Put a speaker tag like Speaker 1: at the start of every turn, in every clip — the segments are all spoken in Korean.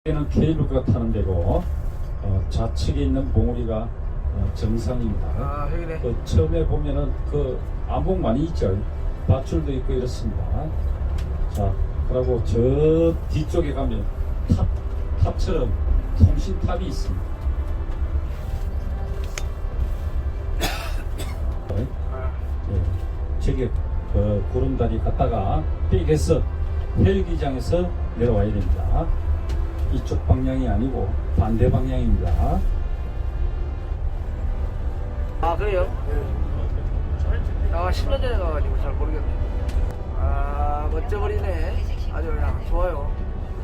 Speaker 1: 여기는 케이블카 타는 데고 좌측에 있는 봉우리가 정상입니다.
Speaker 2: 아, 여기네.
Speaker 1: 그 처음에 보면은 그 암봉 많이 있죠. 밧줄도 있고 이렇습니다. 자, 그리고 저 뒤쪽에 가면 탑처럼 통신탑이 있습니다. 네. 저기 구름다리 갔다가 삑해서 헬기장에서 내려와야 됩니다. 이쪽 방향이 아니고 반대 방향입니다.
Speaker 2: 아, 그래요? 아, 10년 전에 가가지고 잘 모르겠네. 아, 멋져버리네. 아주 그냥 좋아요.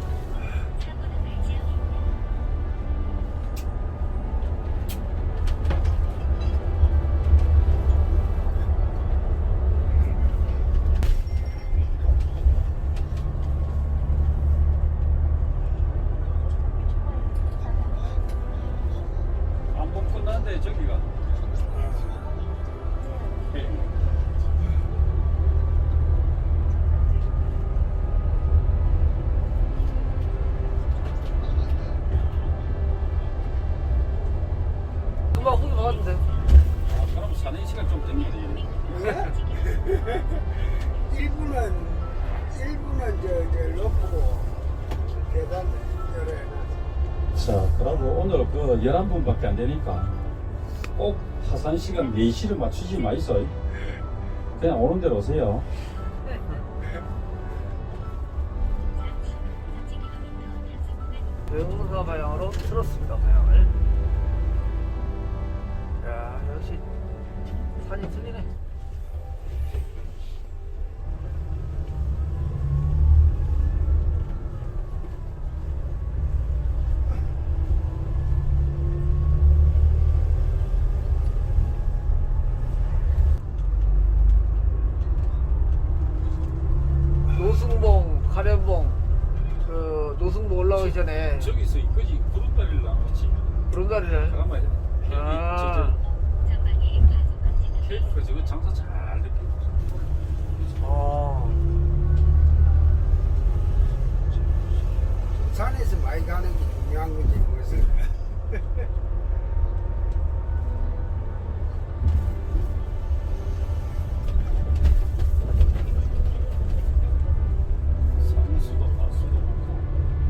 Speaker 1: 암봉 끝났는데 저기가
Speaker 2: 금방 후기 받았는데.
Speaker 1: 그럼 사는 시간 좀 되면 되겠네.
Speaker 3: 1분은 저 높고 계단 열어놔.
Speaker 1: 자, 그리고 오늘 그 11분밖에 안 되니까 꼭 하산 시간 4시를 맞추지 마이소. 그냥 오는 대로 오세요.
Speaker 2: 외국사 방향으로 틀었습니다, 방향을. 야, 역시 산이 틀리네. 노승봉, 가련봉, 그 노승봉 올라오기 전에
Speaker 1: 저기서 이거지 구름다리를 나왔지.
Speaker 2: 구름다리를.
Speaker 1: 잠깐만.
Speaker 2: 아.
Speaker 1: 케이블카 저거 장사 잘 됐겠다.
Speaker 3: 산에서 많이 가는 게 중요한 거지 무슨.
Speaker 1: 산수도 가수도 많고.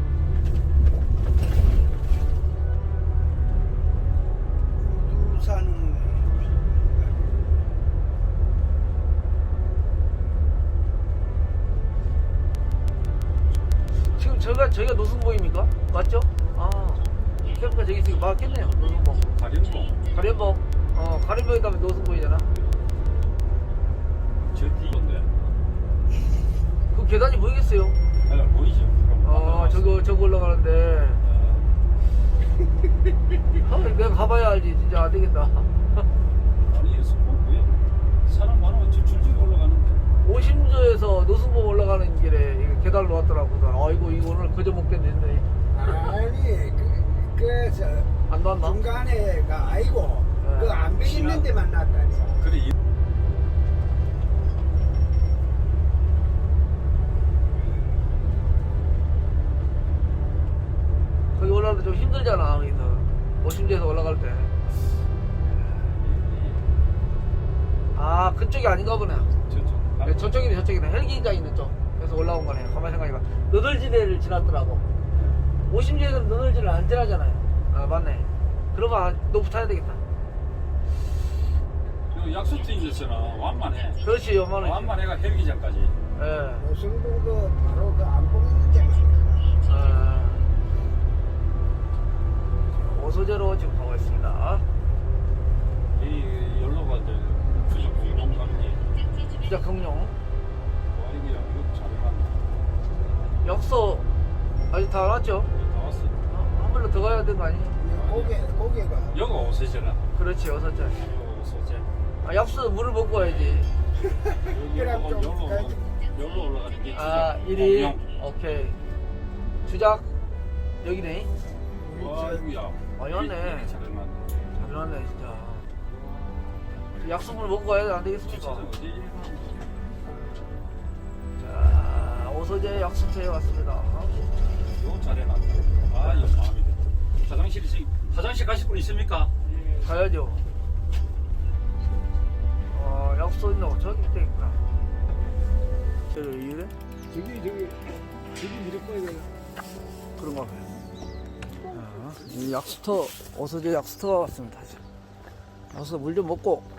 Speaker 3: 우두산
Speaker 2: 지금 저희가 노승봉입니까? 맞죠? 아, 캠프가 저기 있으니까 맞겠네요. 노승봉.
Speaker 1: 가련봉
Speaker 2: 가련봉. 가련봉에 가면 노승봉이잖아.
Speaker 1: 저 뒤인데.
Speaker 2: 그 계단이 보이겠어요?
Speaker 1: 보이죠?
Speaker 2: 저거 올라가는데. 내가 가봐야 알지. 진짜 안 되겠다.
Speaker 1: 아니 스포츠에 사람 많으면 저 줄줄이 올라가는데.
Speaker 2: 오심조에서 노승봉 올라가는 길에 이거 계단을 놓았더라고. 아이고, 이거 오늘 그저 먹겠는데.
Speaker 3: 아니 그래서
Speaker 2: 안 놨나?
Speaker 3: 중간에가 아니고
Speaker 2: 네.
Speaker 3: 그 안벽 있는 데만 놨다니까.
Speaker 1: 그래
Speaker 2: 거기 올라가도 좀 힘들잖아. 거기서 오심조에서 올라갈 때. 아, 그쪽이 아닌가 보네.
Speaker 1: 저쪽.
Speaker 2: 저쪽이네. 헬기가 있는 쪽. 그래서 올라온 거네. 가만히 생각해봐. 너덜지대를 지났더라고. 오심지에서는 너덜지를 안 지나잖아요. 아, 맞네. 그러면 높이 타야 되겠다.
Speaker 1: 그 약수트 있었잖아. 완만해.
Speaker 2: 그렇지, 요만해.
Speaker 1: 완만해가 헬기장까지.
Speaker 2: 예.
Speaker 3: 노승봉도 바로 그 안봉 있는 데만.
Speaker 2: 오소제로 지금 가고 있습니다.
Speaker 1: 이 연로가 이제 부족 공룡 가는 게.
Speaker 2: 주작 경룡.
Speaker 1: 와이기야 이거 잘 해놨네.
Speaker 2: 역소 아직 다 왔죠?
Speaker 1: 다 왔어.
Speaker 2: 한 번로 더 가야 되는 거 아니에요?
Speaker 3: 고개가
Speaker 1: 여가 오세잖아.
Speaker 2: 그렇지, 어서째.
Speaker 1: 여가 오세제.
Speaker 2: 아, 약수 물을 먹고 와야지.
Speaker 3: 그럼 좀
Speaker 1: 여기로 올라가는 게
Speaker 2: 아,
Speaker 1: 주작
Speaker 2: 1위.
Speaker 1: 공룡.
Speaker 2: 오케이. 주작 여기네.
Speaker 1: 와이구야.
Speaker 2: 많이 왔네.
Speaker 1: 잘 해놨네.
Speaker 2: 잘 나왔네, 진짜. 약수물 먹고 가야 안 되겠습니까?
Speaker 1: 주차장 어디 있나?
Speaker 2: 자, 오소제 약수터에 왔습니다.
Speaker 1: 요 잘해놨다. 아, 이거 마음에 들어. 화장실이 지금 화장실 가실 분 있습니까?
Speaker 2: 가야죠. 약속 있노? 저기 있다니까. 저기 이래?
Speaker 3: 저기 미리 꺼야 돼.
Speaker 2: 그런가 봐요. 이 약수터, 어서제 약수터가 왔습니다. 와서 물 좀 먹고